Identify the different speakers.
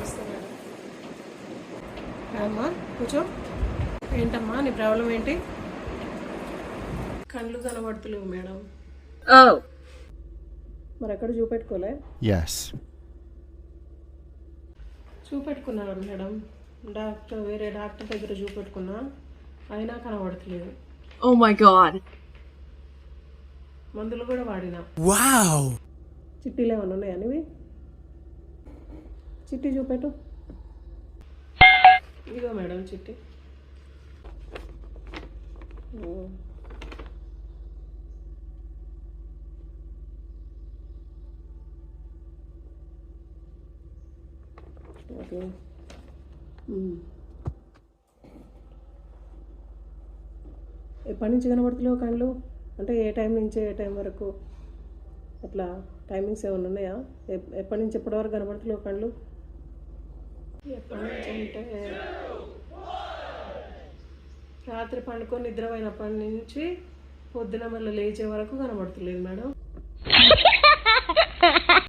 Speaker 1: నమస్తే మేడం. అమ్మా కూర్చో. ఏంటమ్మా నీ ప్రాబ్లం ఏంటి? కళ్ళు కనబడుతులేవు మేడం. మరి ఎక్కడ చూపెట్టుకోలే? చూపెట్టుకున్నాను మేడం. వేరే డాక్టర్ దగ్గర చూపెట్టుకున్నా, అయినా కనబడతలేదు.
Speaker 2: Oh my god.
Speaker 1: మందులు కూడా వాడినా.
Speaker 3: Wow.
Speaker 1: చిట్టీలు ఏమైనా ఉన్నాయా నీవి? చిట్టి చూపెట్టు. ఇదిగో మేడం చిట్టి. ఓకే. ఎప్పటి నుంచి కనబడుతున్నావు కళ్ళు? అంటే ఏ టైం నుంచి ఏ టైం వరకు అట్లా టైమింగ్స్ ఏమైనా ఉన్నాయా? ఎప్పటి నుంచి ఎప్పటి వరకు కనబడుతున్నావు కళ్ళు? ఎప్పటి నుంచి అంటే రాత్రి పండుకొని నిద్రపోయినప్పటి నుంచి పొద్దున మళ్ళీ లేచే వరకు కనబడుతులేదు మేడం.